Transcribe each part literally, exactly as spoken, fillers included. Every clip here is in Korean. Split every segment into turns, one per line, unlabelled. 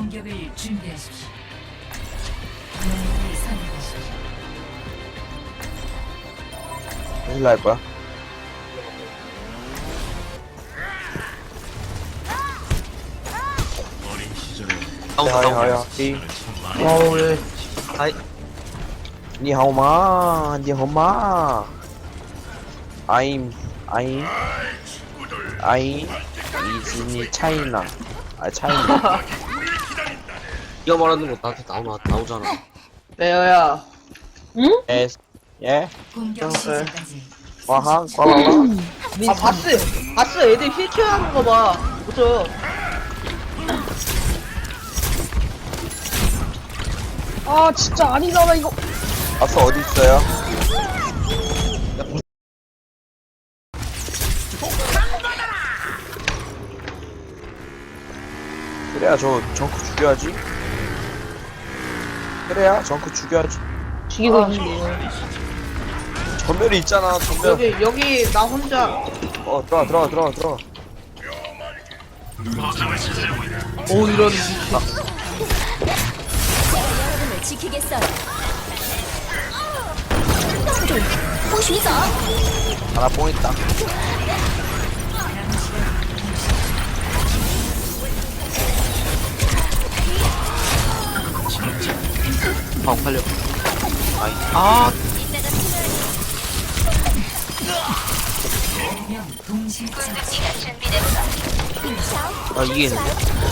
공격을 준비하십시오. 영웅을 선택하십시오.
일로 할 거야?
다운
하야 하야
다운
이
어우 예 아이
니하오마 니하오마 I'm I'm I 이즈니 차이나 아 차이나
이거 말하는 거 나한테 나오나 나오잖아
레어야.
S 예
공격
어,
시작까지
와하 과와와
아, 바스. 바스 애들 힐케어 하는 거 봐. 그죠? 아, 진짜 아니잖아, 이거.
아스 어디 있어요? 그래야 저 정크 죽여야지 그래야 정크 죽여야지
죽이고 있는데요.
전멸이 있잖아 전멸
여기, 여기, 나 혼자.
어 들어가 들어가 들어가 들어가
오, 이런.
여러분을 지키겠어요.
하나 뽕 있다
방 팔려 아이 아
명 동시 처치.
아, 이게 있는데?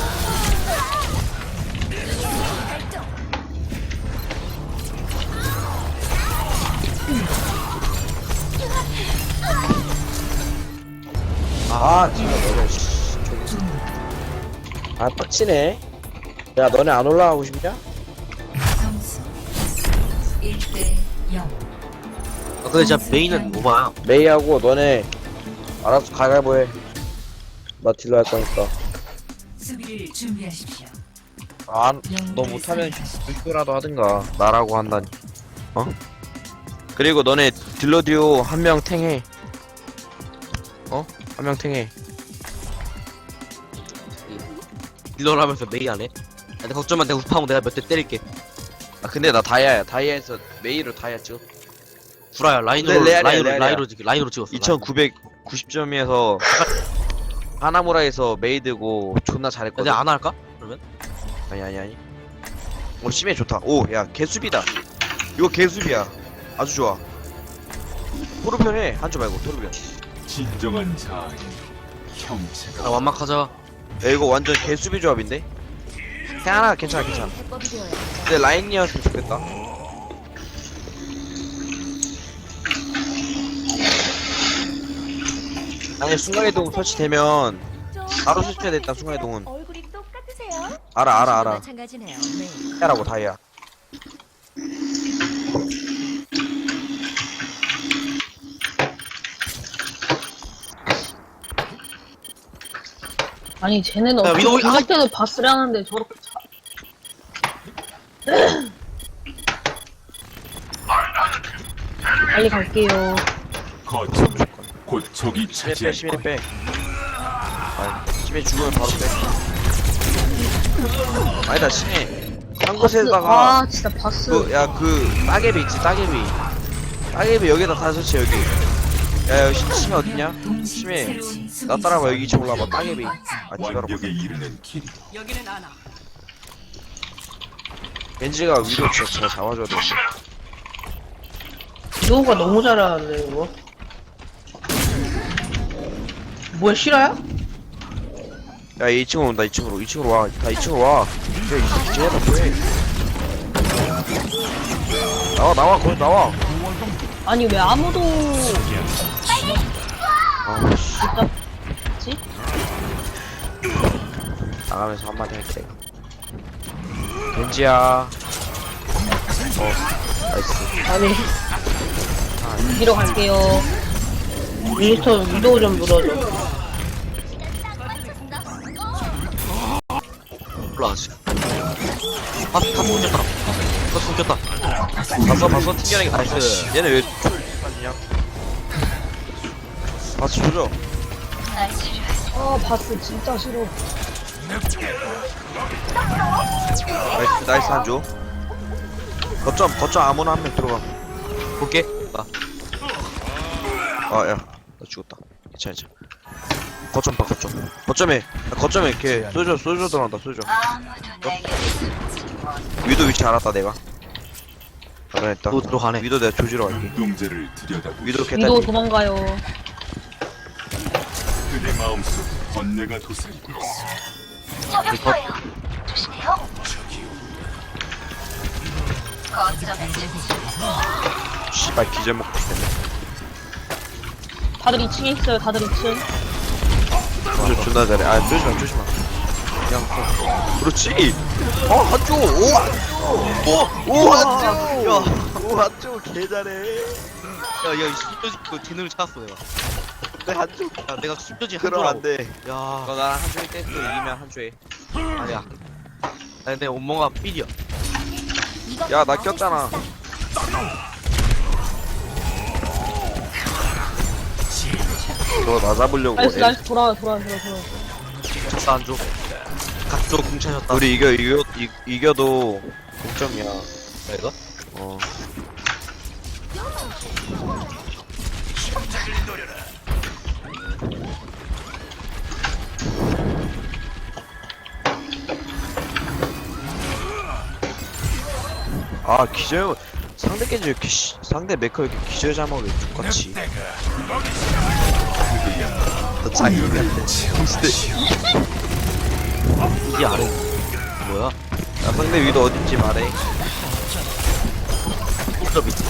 아 진짜 너네 씨 저기 아 빡치네 야 너네 안 올라가고 싶냐?
점수 일 대 영.
아, 근데 진짜 메인은 오바야
메이하고 너네 알아서 가위바위보 해나 딜러 할 거니까
수비를 준비하십시오.
안 너 못하면 불교라도 하든가 나라고 한다니 어? 그리고 너네 딜러 듀오 한 명 탱해 어? 한 명 탱해
딜러를 하면서 메인 안 해? 아, 근데 걱정 마 내가 우파하면 내가 몇 대 때릴게
아 근데 나 다이아야 다이아에서 메이로 다이아 찍어
구라야 라인으로
네, 레알이야,
라인으로
레알이야.
라인으로 찍 라인으로 찍었어
이천구백구십 점에서 하나무라에서 메이드고 존나
라인.
잘했거든
이제 안 할까? 그러면?
아니 아니 아니 오 심해 좋다 오 야 개수비다 이거 개수비야 아주 좋아 토르변 해 한조 말고 토르변
진정한 자아인 형체가
아 완막하자
야 이거 완전 개수비 조합인데 태아나 괜찮아 괜찮아
해법이 되어야
근데 라인이었으면 좋겠다 아니 순간이동 설치되면 바로 설치해야 됐다 순간이동은
얼굴이 똑같으세요?
알아 알아 알아
마찬가지네요. 네.
태아라고 다이아
아니, 쟤네는
야,
어떻게
위도우-
공격 때도 바스를 하는데 저렇게 차. 빨리 갈게요.
거점 곧 적이
심해 빼
차지할
심해
거야.
빼 아, 심해 죽으면 바로 빼 아니다 심해 한 곳에다가
아, 진짜 바스.
그, 야, 그, 따개비 있지, 따개비. 따개비 여기다 다 설치, 여기. 야, 여기 심- 심해 어딨냐? 심해. 나 따라와, 여기 이쪽 올라와봐, 따개비. 아, 지가로.
완벽에 이르는 길.
벤지가 위로 진짜 잘 잡아줘야 돼.
위도우가 너무 잘하는데, 이거. 뭐야, 실화야?
야, 얘 이 층으로 온다, 이 층으로. 이 층으로 와. 다 이 층으로 와. 야, 이 층으로 뭐해. 나와, 나와, 거기 나와.
아니, 왜 아무도.
아, 씨.
진짜. 지?
나가면서 한마디 할게. 벤지야. 어, 나이스.
아니. 위로 갈게요. 미스터 위도우 좀 물어줘.
몰라 아직 아, 다 숨겼다 다 숨겼다
봤어, 봤어? 튕겨내기 봤어.
나이스.
얘네 왜 빠지냐? 봤어, 조져.
아, 바스 진짜 싫어.
나이스 나이스 한조. 거점 거점 아무나 한 명 들어가.
볼게. 나.
아야 나 죽었다. 괜찮아 괜찮아. 거점 봐 거점. 거점에 야, 거점에 이렇게 쏘져 쏘져 들어간다 쏘져. 위도 위치 알았다 내가. 알아냈다.
또 들어가네.
위도 내가 조지러 갈게.
눈동자를 들여다보.
위도
위도
개딸.
도망가요.
그대 마음속 번뇌가 도사리고 있어.
이거
씨발 기절 먹고 싶네.
다들 이 층에 있어요. 다들 이 층.
저 존나 잘해. 아 조심마 조심마. 그냥 써. 그렇지. 어 한조 오 한조. 오오 한조. 야오 한조 개 잘해.
야야 이 숨겨진 그 재능을 찾았어 내가.
내 한조.
야 내가 숨겨진
그럼
한조라고.
안 돼.
야
너 나랑 한조에 떼서 이기면 한조에.
아니야. 아니 내 온몸가 삘이야.
야 나 꼈잖아. 너 나 잡으려고.
나이스
애-
나이스 돌아와 돌아와 돌아와 돌아와.
졌다 한조. 각도로 궁차셨다.
우리 이겨 이겨 이, 이겨도 동점이야.
내가?
어. 아 기절 상대 겐지 이렇게 씨, 상대 메커 이렇게 기절 자막을 똑같이. 너 자기 같아.
이게 아래. 뭐야?
야 상대 위도 어딘지 말해.
꿀더 밑에.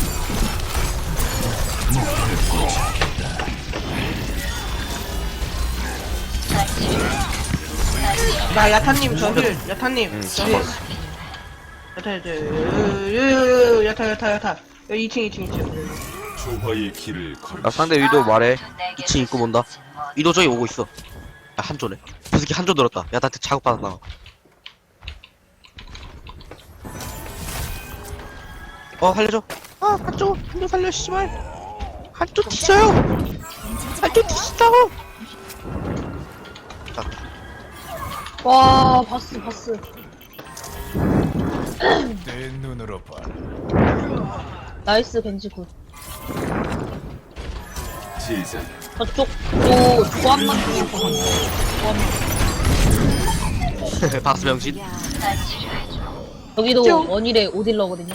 나 야타님 저힐 야타님
응,
저힐 야타 야타 유유유 야타 야타 야타 여기 이 층 이 층 이 층
조화의 길을 걸어.
야 상대 위도 말해.
이 층 입고 본다. 이도 저기 오고 있어. 야 한조네. 저 새끼 한조 들었다. 야 나한테 작업 받았나. 어 살려줘. 아 한조 한조 살려 씨발. 한조 뒤져요. 한조 뒤진다고. 자
와 바스 바스
내 눈으로 봐.
나이스 벤지 굿
제자
저쪽도 조합만 중에 조합만
박수 명신.
여기도 원일의 오딜러거든요.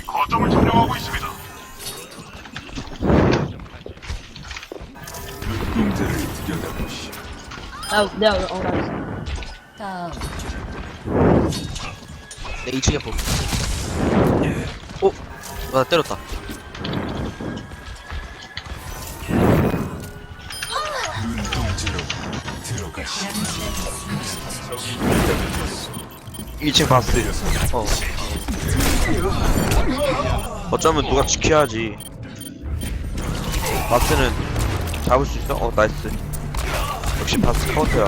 눈동자를 들여다보시.
나 내가 어 나이스
다음
내 이 층에 보. 어? 나 때렸다.
눈동자로 들어가시.
이 층 바스.
어.
어쩌면 누가 지켜야지. 바스는 잡을 수 있어? 어 나이스. 역시 바스 카운터야.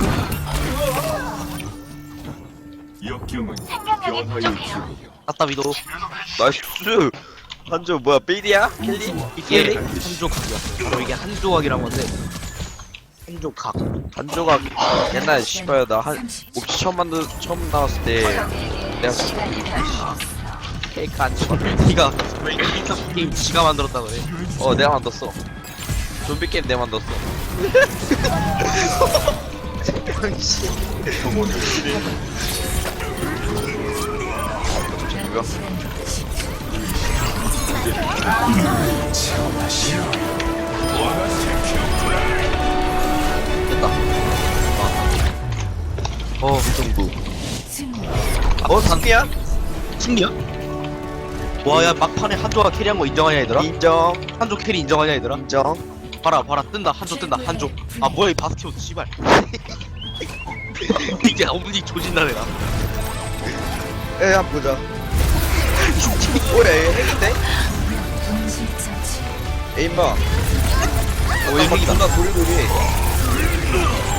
역경은 변화의 기회요.
아따 위도.
나이스. 한조 뭐야 베이디야? 켈리?
이게 한조각이야. 바로 이게 한조각이란 건데. 한조각.
한조가 옛날에 씨발 나한 옵시 처음 만들 처음 나왔을 때 내가 케이크 한조가
니가 왜 게임 게임 지가 만들었다 그래.
어 내가 만들었어. 좀비 게임 내가 만들었어. 이거
됐다. 어, 정부.
승리
어 상미야?
승리야? 와, 야, 막판에 한조가 캐리한 거 인정하냐, 얘들아?
인정
한조 캐리 인정하냐, 얘들아?
인정.
봐라, 봐라, 뜬다. 한조 뜬다, 한조. 아, 뭐야, 이 바스티온, 씨발. 이게 어머니 조진다, 내가.
에 한번 보자. 뭐야 얘 핵인데?
동시 처치
에임봐.
어, 얘 핵이다.
존나 도리도리.